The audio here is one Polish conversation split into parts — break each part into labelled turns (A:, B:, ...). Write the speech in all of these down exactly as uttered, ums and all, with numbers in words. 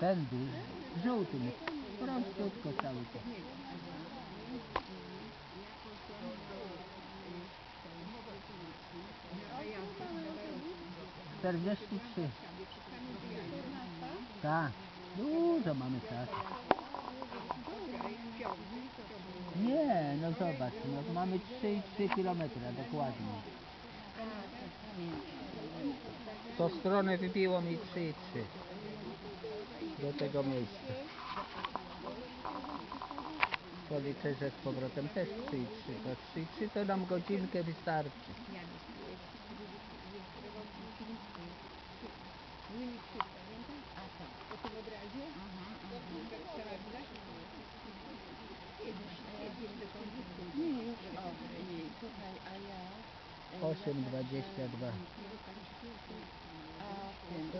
A: Tędy, żółtym, prościutko cały czas. czterdzieści trzy. Tak, dużo mamy czasu. Nie, no zobacz, no, mamy trzy i trzy kilometry dokładnie. W tą stronę wybiło mi trzy i trzy do tego miejsca. Policzę, że z powrotem też trzy i trzy, to trzy i trzy to nam godzinkę wystarczy. osiem dwadzieścia dwa. To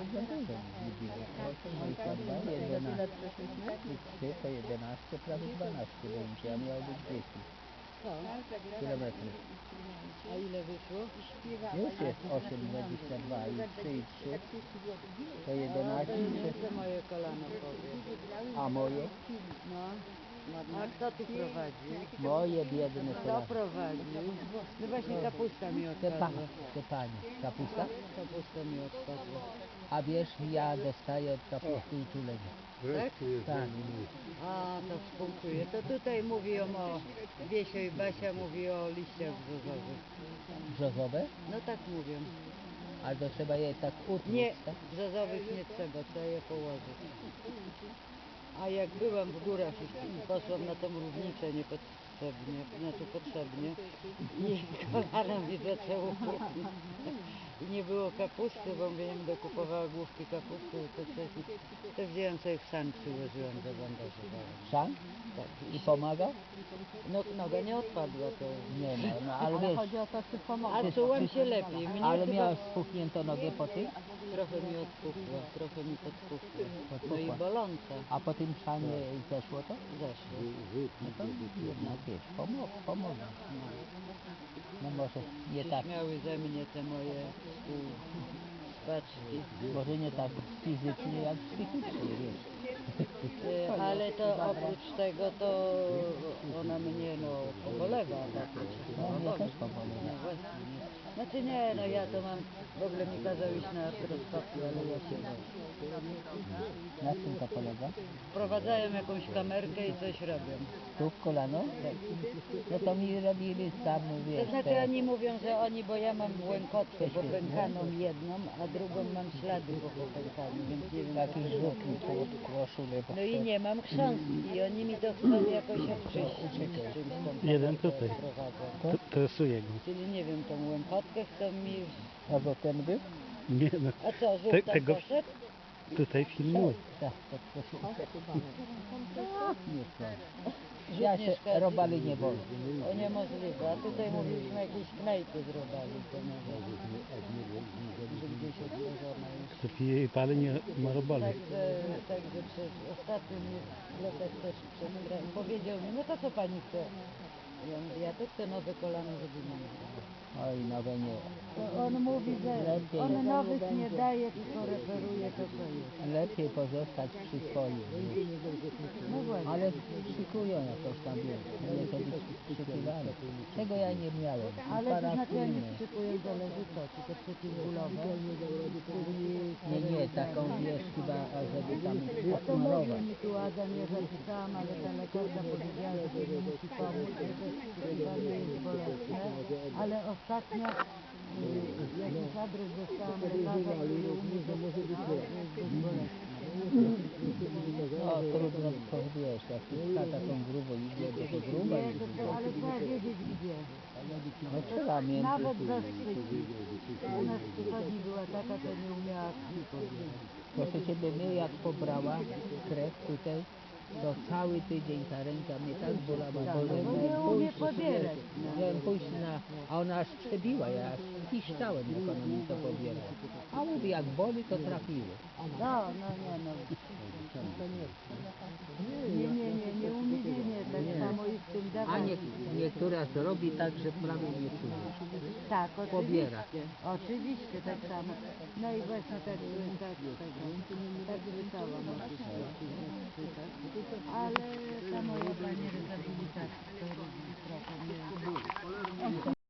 A: jedenaście, to jedenaście, prawie dwanaście będzie, a miało być dziesięć kilometrów.
B: A ile wyszło?
A: Już jest osiem dwadzieścia dwa i trzy i trzy to jedenaście.
B: To moje kolano powie.
A: A moje?
B: No. A kto tu prowadzi?
A: Moje biedne
B: Kto
A: kolano.
B: prowadzi? No właśnie kapusta mi
A: Te, pa,
B: odpadła.
A: te panie. Kapusta?
B: Kapusta mi odpadła.
A: A wiesz, ja dostaję od kapusty uczulenie.
B: Tak?
A: Tak.
B: A, to współczuję. To tutaj mówią o, Wiesio i Basia mówi o liściach brzozowych.
A: Brzozowe?
B: No tak mówią.
A: Ale to trzeba je tak utłuc,
B: Nie,
A: tak?
B: brzozowych nie trzeba, trzeba je położyć. A jak byłam w górach i poszłam na tą równicę niepotrzebnie, znaczy potrzebnie i kolana mi zaczęło puknąć. I nie było kapusty, bo mówię, nie będę kupowała główki kapusty, to wcześniej, to wzięłam sobie w szan, przyłożyłam, zabandażowałam.
A: Szan?
B: Tak.
A: I pomaga?
B: No, noga nie odpadła, to...
A: Nie no, no ale wiesz,
C: chodzi o to, czy pomogło.
B: A czułam się lepiej. Mnie
A: ale
B: chyba
A: miałeś spuchniętą nogę po tym?
B: trochę mi odpuchło, trochę mi podpuchło. No i
A: Podpuchła.
B: boląca.
A: A po tym szanie zeszło to?
B: Zeszło.
A: No to jednak wiesz, pomog, pomogę. No może nie tak,
B: Śmiały ze mnie te moje współspaczki.
A: może nie tak fizycznie jak psychicznie, wiesz.
B: Y, Ale to oprócz tego to ona mnie no pobolewa, tak to wszystko
A: No mnie
B: boli.
A: też pobolewa.
B: No właśnie, nie. Znaczy nie, no ja to mam, w ogóle mi kazał iść na artroskopię, ale ja się boję.
A: Na czym to polega?
B: Wprowadzają jakąś kamerkę i coś robią.
A: Tu w kolano? No to mi robili tam, wiesz,
B: To znaczy
A: te...
B: oni mówią, że oni, bo ja mam łękotkę popękaną jedną, a drugą mam ślady po popękaniu, więc nie wiem co
A: Taki
B: to
A: rzutki
B: znaczy.
A: po koszulę.
B: No i nie mam chrząstki i oni mi to chcą jakoś obczyścić czymś tą
D: Jeden
B: kamerkę
D: tutaj.
B: wprowadzą.
D: To stresuje go.
B: Czyli nie wiem, tą łękotkę chcą mi...
A: A to ten był?
D: Nie no.
B: A co, żółw
D: Te,
B: tam
D: tego
B: poszedł?
D: tutaj filmuję.
A: Tak, pod koszulę. Tak, nie szkodzi.
B: Rzut
A: Ja
B: nie
A: się
B: szkodzi?
A: robali nie boję.
B: O niemożliwe, a tutaj mówiliśmy jakieś knajpy z robali, to może że gdzieś odłożona już.
D: Kto pije i pali, nie ma robali.
B: Także, także przez ostatnio mnie lekarz też przez kraj powiedział mi, no to co pani chce? Ja mówię, ja to chcę nowe kolano, żeby mi nie dało.
A: Oj, nowe nie.
B: To on mówi, że
A: Lepiej.
B: on nowych nie daje, tylko referuje to, co jest.
A: Lepiej pozostać przy swoim.
B: No właśnie.
A: Ale szykują jakoś tam, wiesz, muszę być przyszykiwany. Tego ja nie miałem.
B: Ale to znaczy
A: Parafiny.
B: oni szykują, zależy co, czy te przeciwbólowe, czyli...
A: Nie, nie, taką wiesz chyba, żeby tam
B: A to mówił
A: smarować.
B: mi tu Adam, ja zapisałam, ale ta lekarka powiedziała, że to nie musi pomóc, że to chyba nie jest bolesne, ale ostatnio y, jakiś adres dostałam lekarza, który u mnie to stwierdził, że jest dość bolesne.
A: No trudno, to wiesz, jak się pcha taką grubą igłę, to to gruba
B: Nie,
A: jest.
B: to, to, ale trzeba wiedzieć gdzie.
A: No trzeba między...
B: Nawet zastrzyki. U nas w przychodni była taka, co nie umiała krwi pobierać.
A: Proszę Ciebie, mnie jak pobrała krew tutaj, to cały tydzień ta ręka mnie tak bolała, bo
B: No
A: że
B: bo nie
A: miałem
B: umie
A: pójść,
B: pobierać. No.
A: miałem pójść na, a ona aż przebiła, ja aż piszczałem, jak ona mi to pobierała. A mówi, jak boli, to trafiło.
B: No, no nie no. To nie. Nie, nie, nie, nie umie, nie, nie, tak
A: Nie.
B: samo i z tym
A: A
B: dawaniem.
A: nie, niektóra zrobi tak, że prawie nie czujesz.
B: Tak,
A: Pobiera.
B: oczywiście, oczywiście, tak samo. No i właśnie tak, tak, tego, tak słyszałam o tych planie rehabilitacji.